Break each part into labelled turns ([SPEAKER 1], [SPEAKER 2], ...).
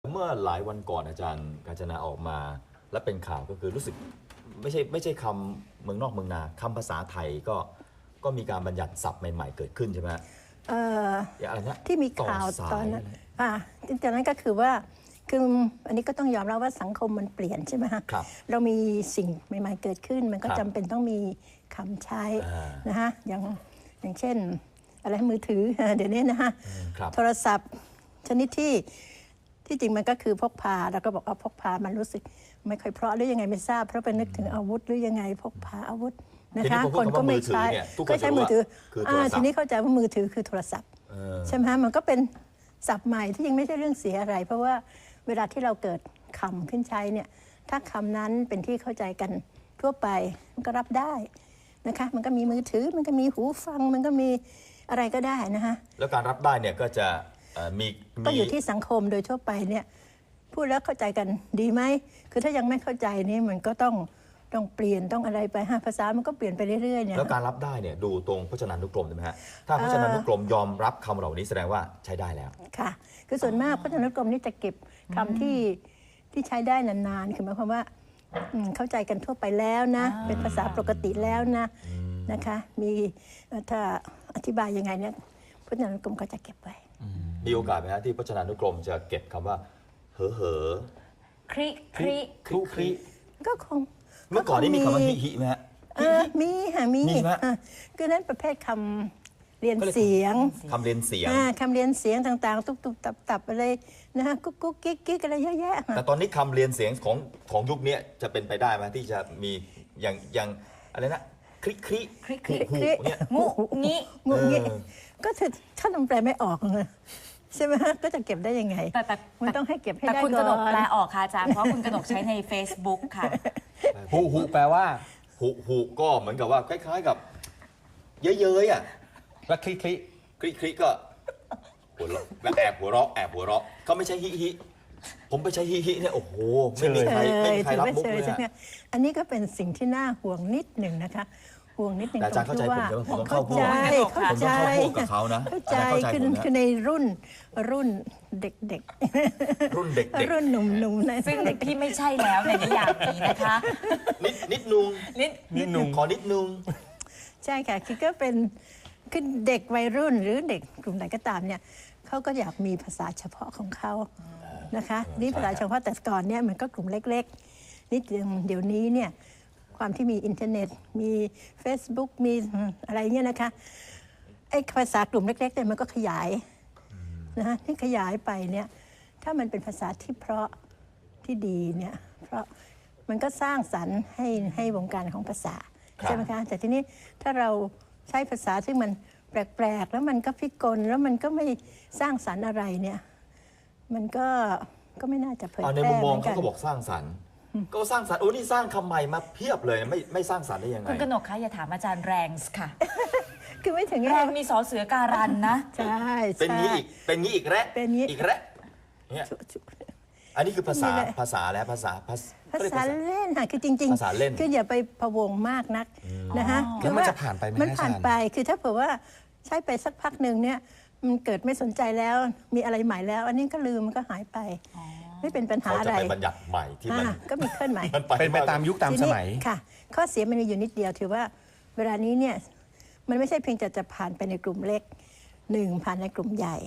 [SPEAKER 1] เมื่อหลายวันก่อนอาจารย์กาญจนาออกมาและเป็นข่าวก็คือรู้สึกไม่ใช่คำเมืองนอกเมืองนาคำภาษาไทยก็มีการบัญญัติศัพท์ใหม่ๆเกิดขึ้นใช่ไหมอย่างอะไรนะ
[SPEAKER 2] ที่มีข่าวตอนนั้นจากนั้นก็คือว่าอันนี้ก็ต้องยอมรับว่าสังคมมันเปลี่ยนใช่ไหมฮะเรามีสิ่งใหม่ๆเกิดขึ้นมันก็จำเป็นต้องมีคำใช้นะฮะอย่างเช่นอะไรมือถือเดี๋ยวนี้นะฮะโทรศัพท์ชนิดที่จริงมันก็คือพกพาแล้วก็บอกเอาพกพามันรู้สึกไม่ค่อยเพราะหรือยังไงไม่ทราบเพราะไปนึกถึงอาวุธหรือยังไงพกพาอาวุธนะคะคนก็ไม่ใช้ก็ใช้มือถือทีนี้เข้าใจว่ามือถือคือโทรศัพท์ใช่ไหมมันก็เป็นศัพท์ใหม่ที่ยังไม่ใช่เรื่องเสียอะไรเพราะว่าเวลาที่เราเกิดคำขึ้นใช้เนี่ยถ้าคำนั้นเป็นที่เข้าใจกันทั่วไปมันก็รับได้นะคะมันก็มีมือถือมันก็มีหูฟังมันก็มีอะไรก็ได้นะคะ
[SPEAKER 1] แล้วการรับได้เนี่ยก็จะ
[SPEAKER 2] ก็อยู่ที่สังคมโดยทั่วไปเนี่ยพูดแล้วเข้าใจกันดีไหมคือถ้ายังไม่เข้าใจนี่มันก็ต้องเปลี่ยนต้องอะไรไปภาษามันก็เปลี่ยนไปเรื่อยๆเนี่ย
[SPEAKER 1] แล้วการรับได้เนี่ยดูตรงพจนานุกรมใช่ไหมฮะถ้าพจนานุกรมยอมรับคำเหล่านี้แสดงว่าใช้ได้แล้ว
[SPEAKER 2] ค่ะคือส่วนมากพจนานุกรมนี่จะเก็บคำที่ใช้ได้นานๆคือหมายความว่าเข้าใจกันทั่วไปแล้วนะเป็นภาษาปกติแล้วนะคะมีถ้าอธิบายยังไงเนี่ยพจนานุกรมก็จะเก็บไว้
[SPEAKER 1] มีโอกาสไหมฮะที่พจนานุกรมจะเก็บคำว่าเหอ
[SPEAKER 3] คริ
[SPEAKER 1] คริ
[SPEAKER 2] ก็คง
[SPEAKER 1] เมื่อก่อนนี้มีคำว่าฮิไหมฮะ
[SPEAKER 2] มีค่ะมีคือนั้นประเภทคำเรียนเสียง
[SPEAKER 1] คำเรียนเสียง
[SPEAKER 2] คำเรียนเสียงต่างๆตุบๆตับๆอะไรนะฮะกุ๊กกิ๊กอะไรเยอะแยะ
[SPEAKER 1] แต่ตอนนี้คำเรียนเสียงของยุคนี้จะเป็นไปได้ไหมที่จะมีอย่างอะไรนะคริ
[SPEAKER 3] หู
[SPEAKER 1] เนี่ย
[SPEAKER 3] งูงี้
[SPEAKER 2] ก็ถ้าทำแปลไม่ออกเลยใช่ไหมฮะก็จะเก็บได้ยังไง
[SPEAKER 3] แต่
[SPEAKER 2] มันต้องให้เก็บให้ได้ก่อน
[SPEAKER 3] แต่คุณกนกแปลออกค่ะอาจารย์เพราะคุณกนกใช้ใน Facebook ค่ะ
[SPEAKER 4] หูแปลว่า
[SPEAKER 1] หูก็เหมือนกับว่าคล้ายๆกับเย้ยๆอ่ะ
[SPEAKER 4] แล้วคลิ
[SPEAKER 1] ก็หัวเราะแบบแอบหัวเราะเขาไม่ใช่ฮิผมไปใช้ฮิเนี่ยโอ้โหไม่มีใครรับมุกเลย
[SPEAKER 2] อันนี้ก็เป็นสิ่งที่น่าห่วงนิดหนึ่งนะคะห่วงนิดหนึ่ง
[SPEAKER 1] ตรงที่ว่า
[SPEAKER 2] เข้าใจ
[SPEAKER 1] กับเขานะ
[SPEAKER 2] เข้าใจคือในรุ่นเด็ก
[SPEAKER 1] รุ่นเด็ก
[SPEAKER 2] รุ่นหนุ่มๆนะ
[SPEAKER 3] ซึ่งที่ไม่ใช่แล้วในนิยามนี้นะคะ
[SPEAKER 1] นิดนุงขอนิดนุง
[SPEAKER 2] ใช่ค่ะคือก็เป็นคือเด็กวัยรุ่นหรือเด็กกลุ่มไหนก็ตามเนี่ยเขาก็อยากมีภาษาเฉพาะของเขานะคะนี่ภาษาเฉพาะแต่ก่อนเนี่ยมันก็กลุ่มเล็กๆนี่เดี๋ยวนี้เนี่ยความที่มีอินเทอร์เน็ตมี Facebook มีอะไรเงี้ยนะคะไอ้ภาษากลุ่มเล็กๆเนี่ยมันก็ขยายนะฮะที่ขยายไปเนี่ยถ้ามันเป็นภาษาที่เพราะที่ดีเนี่ยเพราะมันก็สร้างสรรค์ให้วงการของภาษาใช่ไหมคะแต่ทีนี้ถ้าเราใช้ภาษาซึ่งมันแปลกๆแล้วมันก็พิกลแล้วมันก็ไม่สร้างสรรค์อะไรเนี่ยมันก็ไม่น่าจะเผยแพร่
[SPEAKER 1] ในมุมมองเขาก็บอกสร้างสรรค์ก็สร้างสรรค์โอ้นี่สร้างคำใหม่มาเพียบเลยไม่สร้างสรรค์ได้ยังไง
[SPEAKER 3] คุณกนกคะอย่าถามอาจารย์แรงค่ะ
[SPEAKER 2] คือไม่ถึง
[SPEAKER 3] แรงมีสอเสือการันนะ
[SPEAKER 2] ใช่
[SPEAKER 1] เป็นงี้อีกแล้วเนี่ยอันนี้คือภาษาแล้วภาษา
[SPEAKER 2] เล่นค่ะคือจริงๆภาษาเล่นคืออย่าไปพะวงมากนักนะคะ
[SPEAKER 4] คือมันจะผ่านไปไหม
[SPEAKER 2] มันผ่านไปคือถ้าเผื่อว่าใช้ไปสักพักหนึ่งเนี่ยมันเกิดไม่สนใจแล้วมีอะไรใหม่แล้วอันนี้ก็ลืมมันก็หายไปไม่เป็นปัญหาอะไร
[SPEAKER 1] เขาจะไปบัญญัติใหม่ที่มัน
[SPEAKER 2] ก็มีเคลื่อนไหว
[SPEAKER 4] เป็นไปตามยุคตามสมัย
[SPEAKER 2] ค่ะข้อเสียมันมีอยู่นิดเดียวถือว่าเวลานี้เนี่ยมันไม่ใช่เพียงจะผ่านไปในกลุ่มเล็ก1ผ่านในกลุ่มใหญ่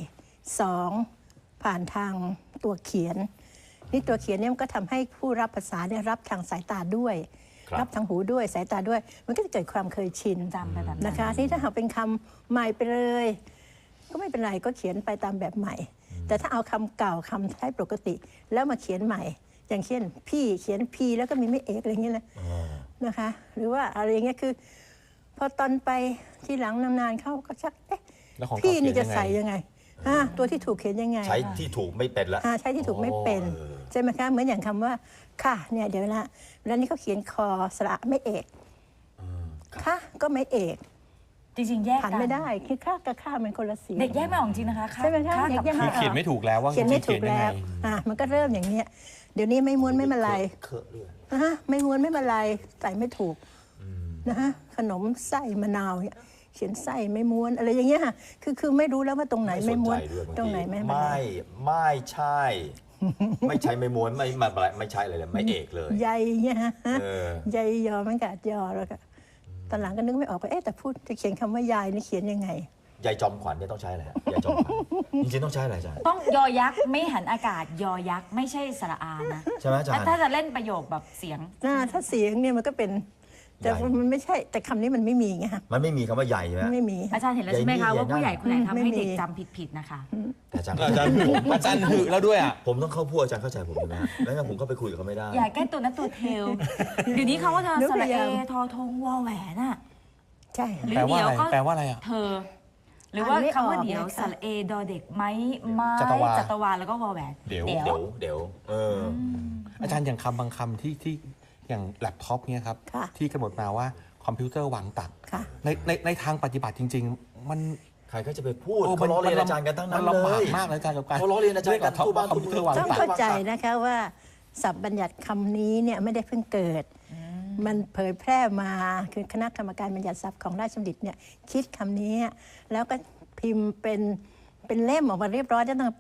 [SPEAKER 2] 2ผ่านทางตัวเขียนนี่ตัวเขียนเนี่ยมันก็ทำให้ผู้รับภาษาเนี่ยรับทางสายตาด้วยรับทางหูด้วยสายตาด้วยมันก็จะเกิดความเคยชิน
[SPEAKER 3] จำไปแบบ
[SPEAKER 2] นะคะนี่ถ้าหากเป็นคำใหม่ไปเลยก็ไม่เป็นไรก็เขียนไปตามแบบใหม่แต่ถ้าเอาคำเก่าคำใช้ปกติแล้วมาเขียนใหม่อย่างเช่นพี่เขียนพีแล้วก็มีไม่เอกอะไรเงี้ยนะคะหรือว่าอะไรเงี้ยคือพอตอนไปที่หลังนานๆเข้าก็ชักพี่นี่จะใส่ยังไงตัวที่ถูกเขียนยังไง
[SPEAKER 1] ใช้ที่ถูกไม่เป็นละ
[SPEAKER 2] ใช้ที่ถูกไม่เป็นใช่ไหมคะเหมือนอย่างคำว่าค่ะเนี่ยเดี๋ยวละแล้วนี่เขาเขียนคอสระไม่เอกค่ะก็ไม่เอก
[SPEAKER 3] จริงๆแยก
[SPEAKER 2] กันไม่ได้คือค่ากับค่ามันคนละสี
[SPEAKER 3] เด็กแยกไม่ออกจริงนะคะ
[SPEAKER 2] ใช่ไหมคะเด็กแยกไม่ออก
[SPEAKER 4] เขียนไม่ถูกแล้วว่า
[SPEAKER 2] เขียนไม่ถูกแล้วมันก็เริ่มอย่างเนี้ยเดี๋ยวนี้ไม่ม้วนไม่มาลายไม่ม้วนไม่มาลายใส่ไม่ถูกนะฮะขนมไส้มะนาวเนี่ยเขียนไส้ไม่ม้วนอะไรอย่างเงี้ยค่ะคือไม่รู้แล้วว่าตรงไหนไม่ม้วนตรงไหนไม่
[SPEAKER 1] ใช่ไม่ใช่ไม่ม้วนไม่ใช่เลยไม่เอกเลย
[SPEAKER 2] ใยเนี่ยฮะ
[SPEAKER 1] เออ
[SPEAKER 2] ใยยอมันกัดยอแล้วก็ตอนหลังก็นึกไม่ออกว่าแต่พูดจะเขียนคำว่ายายนี่เขียนยังไง
[SPEAKER 1] ยายจอมขวัญเนี่ยต้องใช้อะไรฮะยายจอมขวัญจริงๆต้องใช้อะไรอาจารย์
[SPEAKER 3] ต้องยอยักษ์ไม่หันอากาศยอยักษ์ไม่ใช่สระอานะ
[SPEAKER 1] ใช่ไหมอาจารย์
[SPEAKER 3] ถ้าจะเล่นประโยคแบบเสียง
[SPEAKER 2] ถ้าเสียงเนี่ยมันก็เป็นแต่
[SPEAKER 1] ใหญ่
[SPEAKER 2] มันไม่ใช่ แต่คำนี้มันไม่มีไงฮะ
[SPEAKER 1] มันไม่มีคำว่าใหญ่ใช่ไหม
[SPEAKER 2] ไม่มี
[SPEAKER 3] อาจารย์เห็นแล้วใช่ไหมคะว่าผู้ใหญ่คนไหนทำให้เด็กจำผิดๆนะคะ
[SPEAKER 1] แต่อาจารย์
[SPEAKER 4] อาจารย์อาจารย์หึแล้วด้วยอ่ะ
[SPEAKER 1] ผมต้องเข้าพวกอาจารย์เข้าใจผมใช่ไหมฮะแล้วงั้นผมก็ไปคุยกับเขาไม่ได้
[SPEAKER 3] อย่าแก้ตัวนั้นตัวเทลเดี๋ยวนี้เขาว่าเธอสระเอทอทงวอแหวนอะ
[SPEAKER 2] ใช่
[SPEAKER 3] หรือ
[SPEAKER 4] แปลว่า
[SPEAKER 3] เดี๋ยว
[SPEAKER 4] อะไร
[SPEAKER 3] ก็
[SPEAKER 4] แปลว่าอะไรอ่ะ
[SPEAKER 3] เธอ หรือว่า
[SPEAKER 2] อ่านไม่
[SPEAKER 3] คำว่า
[SPEAKER 2] ออก
[SPEAKER 3] เดี๋ยว
[SPEAKER 2] เนี่ย
[SPEAKER 3] ส
[SPEAKER 2] ค่ะ
[SPEAKER 3] ระเอดอเด็กไม้ไม้
[SPEAKER 4] จัตวา
[SPEAKER 3] จัตวาแล้วก็วอแหวน
[SPEAKER 4] เดี๋ยว
[SPEAKER 1] เดี๋ยว
[SPEAKER 4] อาจารย์อย่างคำบางคำที่อย่างแล็ปท็อปเนี่ยครับ
[SPEAKER 2] ค่ะ
[SPEAKER 4] ที่กำหนดมาว่าคอมพิวเตอร์วางตัด
[SPEAKER 2] ค่ะ
[SPEAKER 4] ในทางปฏิบัติจริง ๆ มัน
[SPEAKER 1] ใครก็จะไปพูดเขาล้อเลียนอาจารย์กันทั้งนั้น
[SPEAKER 4] มัน
[SPEAKER 1] เล
[SPEAKER 4] ลำบาก
[SPEAKER 1] ย
[SPEAKER 4] มากเลยอาจารย์กับการ
[SPEAKER 1] เขาล้อเลียนอาจารย์กัน
[SPEAKER 4] ท็อป
[SPEAKER 1] ทั่วบ้าน
[SPEAKER 4] คอมพิวเตอร์วาง
[SPEAKER 2] ต้อง
[SPEAKER 4] ตัด
[SPEAKER 2] เข้าใจนะคะว่าศัพท์บัญญัติคำนี้เนี่ยไม่ได้เพิ่งเกิด มันเผยแพร่มาคือคณะกรรมการบัญญัติศัพท์ของราชบัณฑิตเนี่ยคิดคำนี้แล้วก็พิมพ์เป็นเล่มออกมาเรียบร้อยตั้งแต่ปี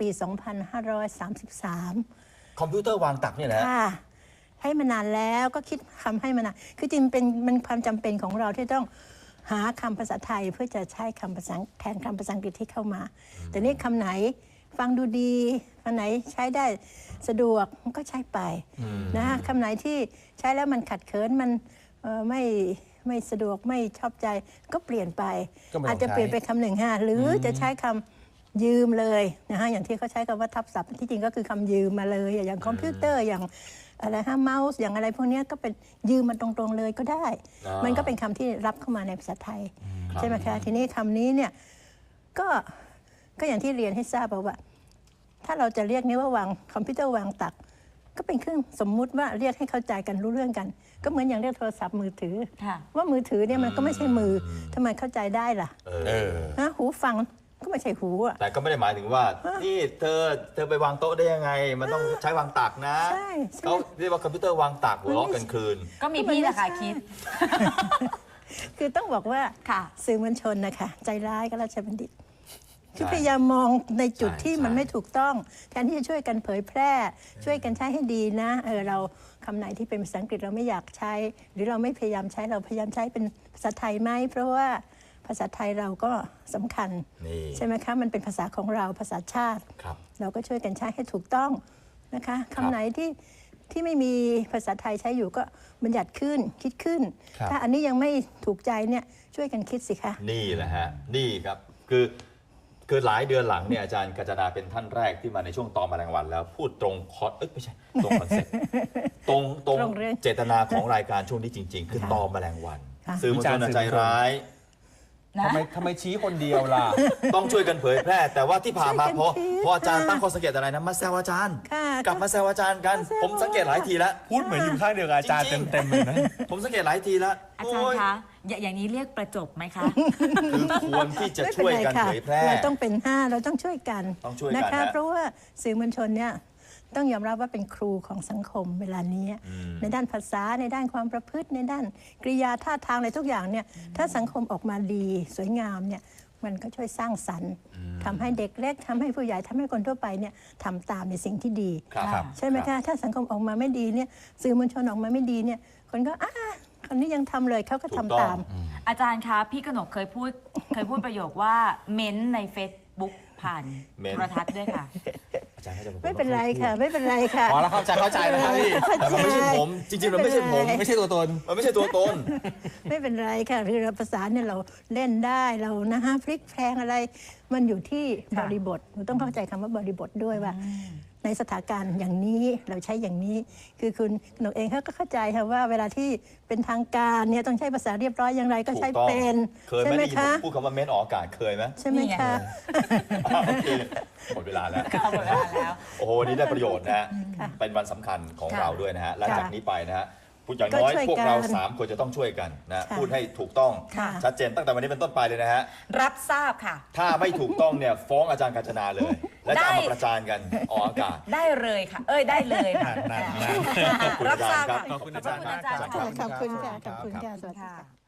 [SPEAKER 2] 2533
[SPEAKER 1] คอมพิวเตอร์วางตักเนี่ยนะ
[SPEAKER 2] ค่ะให้มานานแล้วก็คิดคำให้มานานคือจริงเป็นมันความจำเป็นของเราที่ต้องหาคำภาษาไทยเพื่อจะใช้คำภาษาแทนคำภาษาอังกฤษที่เข้ามา แต่นี่คำไหนฟังดูดีคำไหนใช้ได้สะดวกมันก็ใช้ไปนะคำไหนที่ใช้แล้วมันขัดเคินมันไม่สะดวกไม่ชอบใจก็เปลี่ยนไป
[SPEAKER 4] ก็ไม่ต้อง
[SPEAKER 2] อาจจะเปลี่ยนไปคำหนึ่งฮะหรือจะใช้คำยืมเลยนะฮะอย่างที่เขาใช้คำว่าทับศัพท์ที่จริงก็คือคำยืมมาเลยอย่างคอมพิวเตอร์อย่างอะไรฮะเมาส์อย่างอะไรพวกเนี้ยก็เป็นยืมมาตรงๆเลยก็ได้ มันก็เป็นคำที่รับเข้ามาในภาษาไทยใช่ไหมคะทีนี้คำนี้เนี่ยก็อย่างที่เรียนให้ทราบว่า ถ้าเราจะเรียกนี้ว่าวางคอมพิวเตอร์วางตัก ก็เป็นเครื่องสมมุติว่าเรียกให้เข้าใจกันรู้เรื่องกัน ก็เหมือนอย่างเรียกโทรศัพท์มือถือ
[SPEAKER 3] ค่ะ
[SPEAKER 2] ว่ามือถือเนี่ยมันก็ไม่ใช่มือทำไมเข้าใจได้ล่ะ
[SPEAKER 4] เออ
[SPEAKER 2] นะหูฟังก็ไม่ใช่หูอ่ะ
[SPEAKER 1] แต่ก็ไม่ได้หมายถึงว่า นี่เธอไปวางโต๊ะได้ยังไง มันต้องใช้วางตักนะ
[SPEAKER 2] ใช่
[SPEAKER 1] เขาเรียกว่าคอมพิวเตอร์วางตักหัวเราะกันคืน
[SPEAKER 3] ก็มีพี่แหละค่ะคิด
[SPEAKER 2] คือต้องบอกว่า
[SPEAKER 3] ค่ะ
[SPEAKER 2] สื่อมวลชนนะคะใจร้ายกับราชบัณฑิต คือ
[SPEAKER 1] ใช่
[SPEAKER 2] พยายามมองในจุดที่
[SPEAKER 1] ใช่
[SPEAKER 2] มันไม่ถูกต้องแทนที่จะช่วยกันเผยแพร่ ช่วยกันใช้ให้ดีนะเราคำไหนที่เป็นภาษาอังกฤษเราไม่อยากใช้ หรือเราไม่พยายามใช้เราพยายามใช้เป็นภาษาไทยไหมเพราะว่าภาษาไทยเราก็สำคัญ
[SPEAKER 1] นี่
[SPEAKER 2] ใช่ไหมคะมันเป็นภาษาของเราภาษาชาติ
[SPEAKER 1] ครับ
[SPEAKER 2] เราก็ช่วยกันใช้ให้ถูกต้องนะคะคำไหนที่ไม่มีภาษาไทยใช้อยู่ก็บัญญัติขึ้นคิดขึ้น
[SPEAKER 4] ครับ
[SPEAKER 2] ถ้าอันนี้ยังไม่ถูกใจเนี่ยช่วยกันคิดสิคะ
[SPEAKER 1] นี่แหละฮะ นี่ครับ คือหลายเดือนหลังเนี่ยอาจารย์กาญจนาเป็นท่านแรกที่มาในช่วงตอนแมลงวันแล้วพูดตรงไม่ใช่ตรงคอนเซ็ปต์ตรง
[SPEAKER 2] ตรงเรื่อง
[SPEAKER 1] เจตนาของรายการช่วงนี้จริง ๆ คือตอนแมลงวัน
[SPEAKER 2] ค่ะ
[SPEAKER 1] สื่อมวลชนใจร้าย
[SPEAKER 3] นะ
[SPEAKER 4] ทำไมชี้คนเดียวล่ะ
[SPEAKER 1] ต้องช่วยกันเผยแพร่ แต่ว่าที่ผ่านมา
[SPEAKER 2] ช่วยกัน
[SPEAKER 1] พอ
[SPEAKER 2] คิด
[SPEAKER 1] พออาจารย์
[SPEAKER 2] ค่ะ
[SPEAKER 1] ตั้งข้อสังเกตอะไรนะมาแซวอาจารย์
[SPEAKER 2] ค่ะ
[SPEAKER 1] กลับมาแซวอาจารย์กัน
[SPEAKER 2] มาแซว
[SPEAKER 1] ผมสังเกตหลายทีแล้ว
[SPEAKER 4] พูดเหมือนอยู่ข้างเดียวกับอาจารย์
[SPEAKER 1] จริงๆ
[SPEAKER 4] เต็มๆเลยนะ
[SPEAKER 1] ผมสังเกตหลายทีแล้ว
[SPEAKER 3] อาจารย์คะอย่างนี้เรียกประจบไหมคะ
[SPEAKER 1] คือควรที่จะช่วยกันเผยแพร่
[SPEAKER 2] เราต้องเป็น5เราต้องช่วยกัน
[SPEAKER 1] ต้องช่วยกัน
[SPEAKER 2] นะคะ
[SPEAKER 1] ฮะ
[SPEAKER 2] เพราะว่าสื่อมวลชนเนี่ยต้องยอมรับว่าเป็นครูของสังคมเวลานี้ในด้านภาษาในด้านความประพฤติในด้านกริยาท่าทางอะไรทุกอย่างเนี่ยถ้าสังคมออกมาดีสวยงามเนี่ยมันก็ช่วยสร้างสรรค์ทำให้เด็กเล็กทำให้ผู้ใหญ่ทำให้คนทั่วไปเนี่ยทำตามในสิ่งที่ดี
[SPEAKER 1] ครับ
[SPEAKER 2] ใช่ไหมคะถ้าสังคมออกมาไม่ดีเนี่ยสื่อมวลชนออกมาไม่ดีเนี่ยคนก็คนนี้ยังทำเลยเขาก็ทำตาม
[SPEAKER 3] อาจารย์คะพี่กนกเคยพูดประโยคว่าเม้นต์ใน Facebook ผ่าน
[SPEAKER 1] เม้นต์
[SPEAKER 3] โทรทัศน์ด้วยค่ะ
[SPEAKER 1] อาจารย์ก็จะบอก
[SPEAKER 2] ไม่เป็นไรค่ะ ไม่เป็นไรค่ะ
[SPEAKER 4] อ๋อแล้วเข้าใจแล้วครับพี่
[SPEAKER 1] แต่มันไม่ใช่ผม จริงๆมันไม่ใช่ผม
[SPEAKER 4] ไม่ใช่ตัวตน
[SPEAKER 1] มันไม่ใช่ตัวตน
[SPEAKER 2] ไม่เป็นไรค่ะคือเราภาษาเนี่ยเราเล่นได้เรานะฮะพลิกแพลงอะไร มันอยู่ที่บริบทเราต้องเข้าใจคำว่าบริบทด้วยว่า ในสถานการณ์อย่างนี้เราใช้อย่างนี้ คือคุณหนูเองเขาก็เข้าใจค่ะว่าเวลาที่เป็นทางการเนี่ยต้องใช้ภาษาเรียบร้อยอย่างไรก็ใช้
[SPEAKER 1] ถูกต้อง
[SPEAKER 2] เป็น
[SPEAKER 1] เคย
[SPEAKER 2] ใช่
[SPEAKER 1] ไหม
[SPEAKER 2] ไหม
[SPEAKER 1] ได้ยิน
[SPEAKER 2] คะ
[SPEAKER 1] ผมพูดคำว่าเม้นออกอากาศเคยไหม
[SPEAKER 2] ใช่ไหม
[SPEAKER 3] นี่ไง
[SPEAKER 2] คะ
[SPEAKER 1] โอเคหมดเวลาแล้ว
[SPEAKER 3] หมดเวลาแล้ว
[SPEAKER 1] โอ้โหวันนี้ได้ประโยชน์นะฮะ
[SPEAKER 2] ค่ะ
[SPEAKER 1] เป็นวันสำคัญของ
[SPEAKER 3] ค่ะ
[SPEAKER 1] เราด้วยนะฮะ และ
[SPEAKER 2] ค่ะ
[SPEAKER 1] จากนี้ไปนะฮะพูดอย่างน้อย
[SPEAKER 2] ก็ช่วย
[SPEAKER 1] พวกเรา
[SPEAKER 2] กัน
[SPEAKER 1] 3 คนจะต้องช่วยกันนะ
[SPEAKER 2] ค่ะ
[SPEAKER 1] พูดให้ถูกต้อง
[SPEAKER 3] ค่ะ
[SPEAKER 1] ชัดเจนตั้งแต่วันนี้เป็นต้นไปเลยนะฮะ
[SPEAKER 3] รับทราบค่ะ
[SPEAKER 1] ถ้าไม่ถูกต้องเนี่ยฟ้องอาจารย์กาญจนาเลย และจะเอามาประจานกันออกอากาศ
[SPEAKER 3] ได้เลยค่ะ ได้เลยค่ะ
[SPEAKER 4] นั่น
[SPEAKER 1] ขอบคุณ
[SPEAKER 3] รั
[SPEAKER 1] อา
[SPEAKER 3] บ
[SPEAKER 1] จารย์
[SPEAKER 3] ทราบ
[SPEAKER 1] ครับ
[SPEAKER 3] ค่ะ
[SPEAKER 4] ขอบคุณอาจารย์
[SPEAKER 3] ขอบคุณอาจารย์
[SPEAKER 2] ขอบคุณค่ะขอบคุณค่ะสวัสดีค่ะ
[SPEAKER 3] ค่ะ